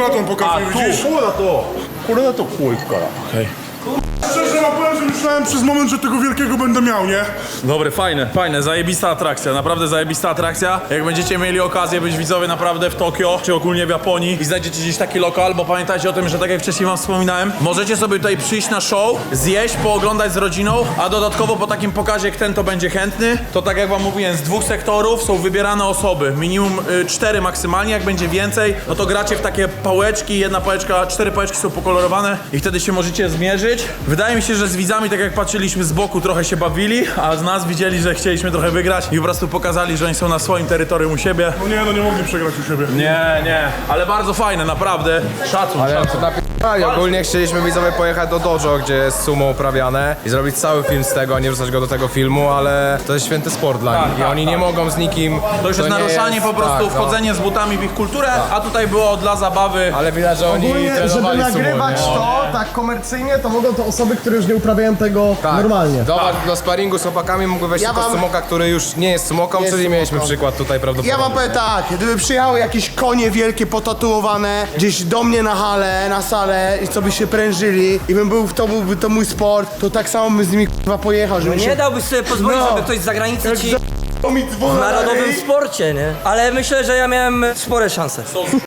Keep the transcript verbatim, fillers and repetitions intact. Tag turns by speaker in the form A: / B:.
A: tą pokazuję, widzisz?
B: Kura to! Kura to chuj, kara. Okej.
A: Szczerze wam powiem, że myślałem przez moment, że tego wielkiego będę miał, nie?
B: Dobre, fajne, fajne, zajebista atrakcja, naprawdę zajebista atrakcja. Jak będziecie mieli okazję być widzowie naprawdę w Tokio, czy ogólnie w Japonii i znajdziecie gdzieś taki lokal, bo pamiętajcie o tym, że tak jak wcześniej wam wspominałem, możecie sobie tutaj przyjść na show, zjeść, pooglądać z rodziną, a dodatkowo po takim pokazie, jak ten to będzie chętny, to tak jak wam mówiłem, z dwóch sektorów są wybierane osoby, minimum y, cztery maksymalnie, jak będzie więcej, no to gracie w takie pałeczki, jedna pałeczka, cztery pałeczki są pokolorowane i wtedy się możecie zmierzyć. Wydaje mi się, że z widzami, tak jak patrzyliśmy z boku, trochę się bawili, a z nas widzieli, że chcieliśmy trochę wygrać i po prostu pokazali, że oni są na swoim terytorium u siebie.
A: No nie, no nie mogli przegrać u siebie.
B: Nie, nie, ale bardzo fajne, naprawdę. Szacun,
C: Ale
B: szacun.
C: to napi***ali. Ogólnie chcieliśmy widzowie pojechać do dojo, gdzie jest sumo uprawiane i zrobić cały film z tego, a nie wrzucać go do tego filmu, ale to jest święty sport dla
B: Tak,
C: nich i
B: tak,
C: oni
B: tak.
C: nie mogą z nikim...
B: To już jest
C: nie
B: naruszanie
C: jest-
B: po prostu,
C: tak, no.
B: wchodzenie z butami w ich kulturę, a tutaj było dla zabawy.
C: Ale widać, że oni
D: Ogólnie, żeby
C: trenowali sumo,
D: nagrywać
C: nie?
D: to tak komercyjnie, to mogą to osoby, które już nie uprawiają tego
C: Tak.
D: normalnie.
C: Do, do sparingu z chłopakami mógłby wejść
E: Ja
C: tylko
E: wam-
C: sumoka, który już nie jest sumoką,
E: Jest
C: czyli mieliśmy
E: sumoką.
C: przykład tutaj prawdopodobnie.
E: Ja wam powiem tak, gdyby przyjechały jakieś konie wielkie, potatuowane gdzieś do mnie na halę, na salę i co by się prężyli i bym był, to byłby to mój sport, to tak samo bym z nimi k***a pojechał, żeby
F: Nie
E: się...
F: dałbyś sobie pozwolić,
E: No.
F: żeby ktoś z zagranicy ci
E: To mi dzwona
F: w narodowym
E: dalej.
F: sporcie, nie? Ale myślę, że ja miałem spore szanse.